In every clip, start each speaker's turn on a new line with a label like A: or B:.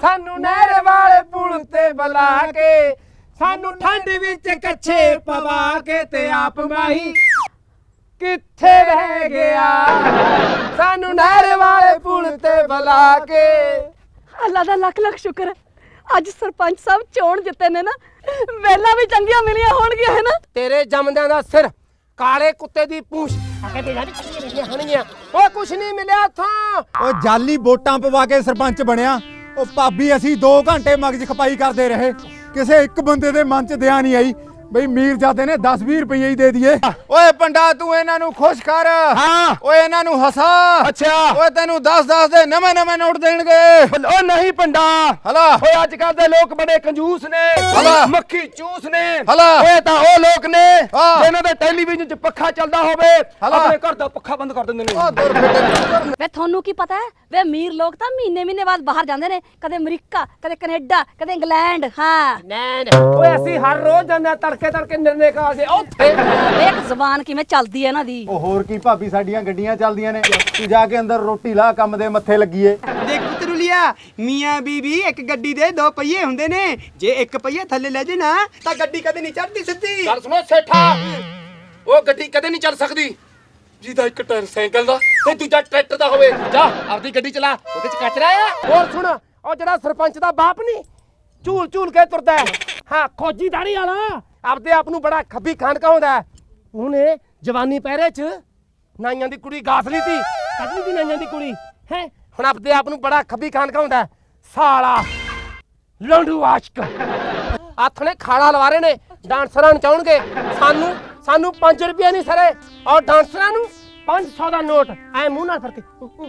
A: ਸਾਨੂੰ ਨਹਿਰ ਵਾਲੇ ਪੁਲ ਤੇ ਬੁਲਾ ਕੇ, ਸਾਨੂੰ ਠੰਡ ਵਿੱਚ ਕੱਛੇ ਪਵਾ ਕੇ, ਤੇ ਆਪ ਮਾਹੀ ਕਿੱਥੇ ਰਹਿ ਗਿਆ। ਸਾਨੂੰ ਨਹਿਰ ਵਾਲੇ ਪੁਲ ਤੇ ਬੁਲਾ ਕੇ।
B: ਅੱਲਾ ਦਾ ਲੱਖ ਲੱਖ ਸ਼ੁਕਰ ਹੈ, ਅੱਜ ਸਰਪੰਚ ਸਾਹਿਬ ਚੋਣ ਜਿੱਤੇ ਨੇ ਨਾ, ਵੇਲਾ ਵੀ ਚੰਗੀਆਂ ਮਿਲੀਆਂ ਹੋਣਗੀਆਂ ਹੈ ਨਾ।
A: ਤੇਰੇ ਜੰਮਦਿਆਂ ਦਾ ਸਿਰ ਕਾਲੇ ਕੁੱਤੇ ਦੀ ਪੂਛ ਕਹਿੰਦੇ ਯਾਰ ਚੰਗੀਆਂ ਮਿਲੀਆਂ ਹੋਣਗੀਆਂ। ਓਏ ਕੁਛ ਨਹੀਂ ਮਿਲਿਆ ਉੱਥੋਂ।
C: ਉਹ ਜਾਲੀ ਵੋਟਾਂ ਪਵਾ ਕੇ ਸਰਪੰਚ ਬਣਿਆ। ਉਹ ਭਾਬੀ ਅਸੀਂ 2 ਘੰਟੇ ਮਗਜ ਖਪਾਈ ਕਰਦੇ ਰਹੇ, ਕਿਸੇ ਇੱਕ ਬੰਦੇ ਦੇ ਮਨ 'ਚ ਦਿਆ ਨਹੀਂ ਆਈ ਬਈ ਮੀਰਜ਼ਾਦੇ ਨੇ 10-20 ਰੁਪਏ ਹੀ ਦੇ ਦਈਏ।
D: ਓਏ ਪੰਡਾ ਤੂੰ ਇਹਨਾਂ ਨੂੰ ਖੁਸ਼ ਕਰ।
A: ਹਾਂ
D: ਓਏ ਇਹਨਾਂ ਨੂੰ ਹਸਾ।
A: ਅੱਛਾ
D: ਓਏ ਤੈਨੂੰ 10-10 ਦੇ ਨਵੇਂ ਨੋਟ ਦੇਣਗੇ।
A: ਓ ਨਹੀਂ ਪੰਡਾ।
D: ਹਲਾ
A: ਓਏ ਅੱਜ ਕੱਲ ਦੇ ਲੋਕ ਬੜੇ ਕੰਜੂਸ ਨੇ,
D: ਹਲਾ
A: ਮੱਖੀ ਚੂਸ ਨੇ।
D: ਹਲਾ
A: ਓਏ ਤਾਂ ਉਹ ਲੋਕ ਨੇ
D: ਹਾਂ।
A: ਜਿਨ੍ਹਾਂ ਦੇ ਟੈਲੀਵਿਜ਼ਨ 'ਚ ਪੱਖਾ ਚੱਲਦਾ ਹੋਵੇ,
D: ਹਲਾ
A: ਆਪਣੇ ਘਰ ਦਾ ਪੱਖਾ ਬੰਦ ਕਰ ਦਿੰਦੇ ਨੇ।
B: ਵੇ ਤੁਹਾਨੂੰ ਕੀ ਪਤਾ ਹੈ, ਵੇ ਅਮੀਰ ਲੋਕ ਤਾਂ ਮਹੀਨੇ ਬਾਅਦ ਬਾਹਰ ਜਾਂਦੇ ਨੇ, ਕਦੇ ਅਮਰੀਕਾ, ਕਦੇ ਕੈਨੇਡਾ, ਕਦੇ ਇੰਗਲੈਂਡ। ਹਾਂ
A: ਓਏ ਅਸੀਂ ਹਰ ਰੋਜ਼ ਜਾਂਦੇ ਆ ਤੜਕੇ ਨਿਰਣੇ ਕਾ ਕੇ ਉੱਥੇ।
B: ਵੇਖ ਜ਼ਬਾਨ ਕਿਵੇਂ ਚੱਲਦੀ ਹੈ ਇਹਨਾਂ ਦੀ।
C: ਉਹ ਹੋਰ ਕੀ ਭਾਬੀ, ਸਾਡੀਆਂ ਗੱਡੀਆਂ ਚੱਲਦੀਆਂ ਨੇ, ਤੂੰ ਜਾ ਕੇ ਅੰਦਰ ਰੋਟੀ ਲਾ, ਕੰਮ ਦੇ ਮੱਥੇ ਲੱਗੀਏ।
E: ਦੇਖ ਪੁੱਤਰੂਲੀਆ, ਮੀਆਂ ਬੀਬੀ ਇੱਕ ਗੱਡੀ ਦੇ 2 ਪਹੀਏ ਹੁੰਦੇ ਨੇ, ਜੇ ਇੱਕ ਪਹੀਆ ਥੱਲੇ ਲੈ ਜੇ ਨਾ ਤਾਂ ਗੱਡੀ ਕਦੇ ਨਹੀਂ ਚੜਦੀ ਸਿੱਧੀ।
A: ਗੱਲ ਸੁਣੋ ਸੇਠਾ, ਉਹ ਗੱਡੀ ਕਦੇ ਨਹੀਂ ਚੱਲ ਸਕਦੀ ਜਿਹਦਾ ਇੱਕ ਟਾਇਰ ਸਾਈਕਲ ਦਾ ਤੇ ਦੂਜਾ ਟਰੈਕਟਰ ਦਾ ਹੋਵੇ। ਜਾ ਆਪਦੀ ਗੱਡੀ ਚਲਾ, ਉਹਦੇ 'ਚ ਕਚਰਾ ਆ। ਹੋਰ ਸੁਣ, ਉਹ ਜਿਹੜਾ ਸਰਪੰਚ ਦਾ ਬਾਪ ਨਹੀਂ ਝੂਲ ਕੇ ਤੁਰਦਾ ਹੈ, ਹਾਂ ਖੋਜੀ ਦਾੜੀ ਵਾਲਾ, ਆਪਦੇ ਆਪ ਨੂੰ ਬੜਾ ਖੱਬੀ ਖਾਨ ਕਹਾਉਂਦਾ। ਉਹਨੇ ਜਵਾਨੀ ਪਹਿਰੇ 'ਚ ਨਾਈਆਂ ਦੀ ਕੁੜੀ ਗਾਸ ਲਈ ਤੀ, ਕੱਢ ਲਈ ਤੀ ਨਾਈਆਂ ਦੀ ਕੁੜੀ ਹੈ। ਹੁਣ ਆਪਦੇ ਆਪ ਨੂੰ ਬੜਾ ਖੱਬੀ ਖਾਨ ਕਹਾਉਂਦਾ। ਸਾਲਾ ਲੰਡੂ ਆਸ਼ਕ ਹੱਥ ਨੇ ਖਾੜਾ ਲਵਾ ਰਹੇ ਨੇ, ਡਾਂਸਰਾਂ ਨਚਾਉਣਗੇ। ਸਾਨੂੰ 5 ਰੁਪਏ ਨਹੀਂ ਸਰੇ, ਔਰ ਡਾਂਸਰਾਂ ਨੂੰ 500 ਦਾ ਨੋਟ ਐ ਮੂੰਹ ਨਾਲ ਫੜ ਕੇ।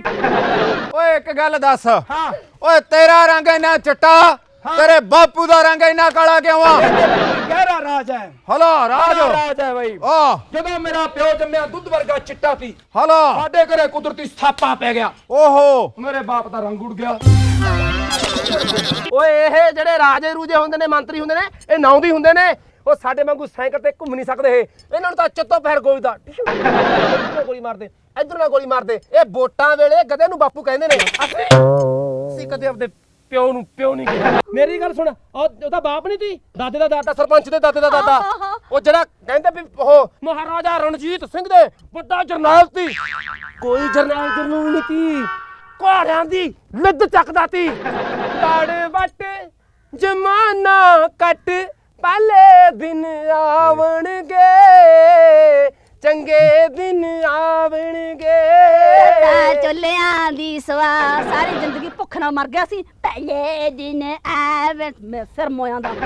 D: ਓਏ ਇੱਕ ਗੱਲ ਦੱਸ।
A: ਹਾਂ
D: ਓਏ ਤੇਰਾ ਰੰਗ ਇੰਨਾ ਚਿੱਟਾ, ਤੇਰੇ ਬਾਪੂ ਦਾ ਰੰਗ ਇੰਨਾ ਕਾਲਾ ਕਿਉਂ ਆ?
A: ਗਹਿਰਾ ਰਾਜ ਹੈ।
D: ਹਲਾ ਰਾਜ
A: ਹੈ ਬਈ।
D: ਆ
A: ਜਦੋਂ ਮੇਰਾ ਪਿਓ ਜੰਮਿਆ ਦੁੱਧ ਵਰਗਾ ਚਿੱਟਾ ਸੀ,
D: ਹਲਾ
A: ਸਾਡੇ ਘਰੇ ਕੁਦਰਤੀ ਸਾਪਾ ਪੈ ਗਿਆ,
D: ਓਹੋ
A: ਮੇਰੇ ਬਾਪ ਦਾ ਰੰਗ ਉੱਡ ਗਿਆ। ਓਏ ਇਹ ਜਿਹੜੇ ਰਾਜੇ ਰੂਜੇ ਹੁੰਦੇ ਨੇ, ਮੰਤਰੀ ਹੁੰਦੇ ਨੇ, ਇਹ ਨਾਉਂਦੀ ਹੁੰਦੇ ਨੇ। ਉਹ ਸਾਡੇ ਵਾਂਗੂ ਸਾਈਕਲ ਤੇ ਘੁੰਮ ਨਹੀਂ ਸਕਦੇ। ਇਹਨਾਂ ਨੂੰ ਤਾਂ ਚੱਤੋ ਪੈਰ ਗੋਲੀ ਦਾ ਗੋਲੀ ਮਾਰਦੇ, ਇਧਰ ਨਾਲ ਗੋਲੀ ਮਾਰਦੇ। ਇਹ ਵੋਟਾਂ ਵੇਲੇ ਗਧੇ ਨੂੰ ਬਾਪੂ ਕਹਿੰਦੇ ਨੇ। ਅਸੀਂ ਕਦੇ ਆਪਦੇ ਪਿਓ ਨੂੰ ਪਿਓ ਨਹੀਂ ਕਿਹਾ। ਮੇਰੀ ਗੱਲ ਸੁਣ, ਉਹਦਾ ਬਾਪ ਨਹੀਂ ਸੀ, ਦਾਦੇ ਦਾ ਦਾਦਾ, ਸਰਪੰਚ ਦੇ ਦਾਦੇ ਦਾ ਦਾਦਾ। ਉਹ ਜਿਹੜਾ ਕਹਿੰਦੇ ਵੀ ਉਹ ਮਹਾਰਾਜਾ ਰਣਜੀਤ ਸਿੰਘ ਦੇ ਵੱਡਾ ਜਰਨੈਲ ਸੀ। ਕੋਈ ਜਰਨੈਲ ਨਹੀਂ ਸੀ, ਘੋੜਿਆਂ ਦੀ ਲਿੱਦ ਚੱਕਦਾ ਸੀ। ਲੜ ਵੱਟ ਜਮਾਨਾ ਕੱਟ, ਪਹਿਲੇ ਦਿਨ ਆਵਣਗੇ, ਚੰਗੇ ਦਿਨ ਆਵਣਗੇ।
B: ਚੁੱਲਿਆਂ ਦੀ ਸਵਾ ਸਾਰੀ ਜ਼ਿੰਦਗੀ ਭੁੱਖ ਨਾਲ ਮਰ ਗਿਆ ਸੀ, ਪਹਿਲੇ ਦਿਨ ਆਵੇ। ਮੈਂ ਫਿਰ ਮੋਇਆਂ ਦਾ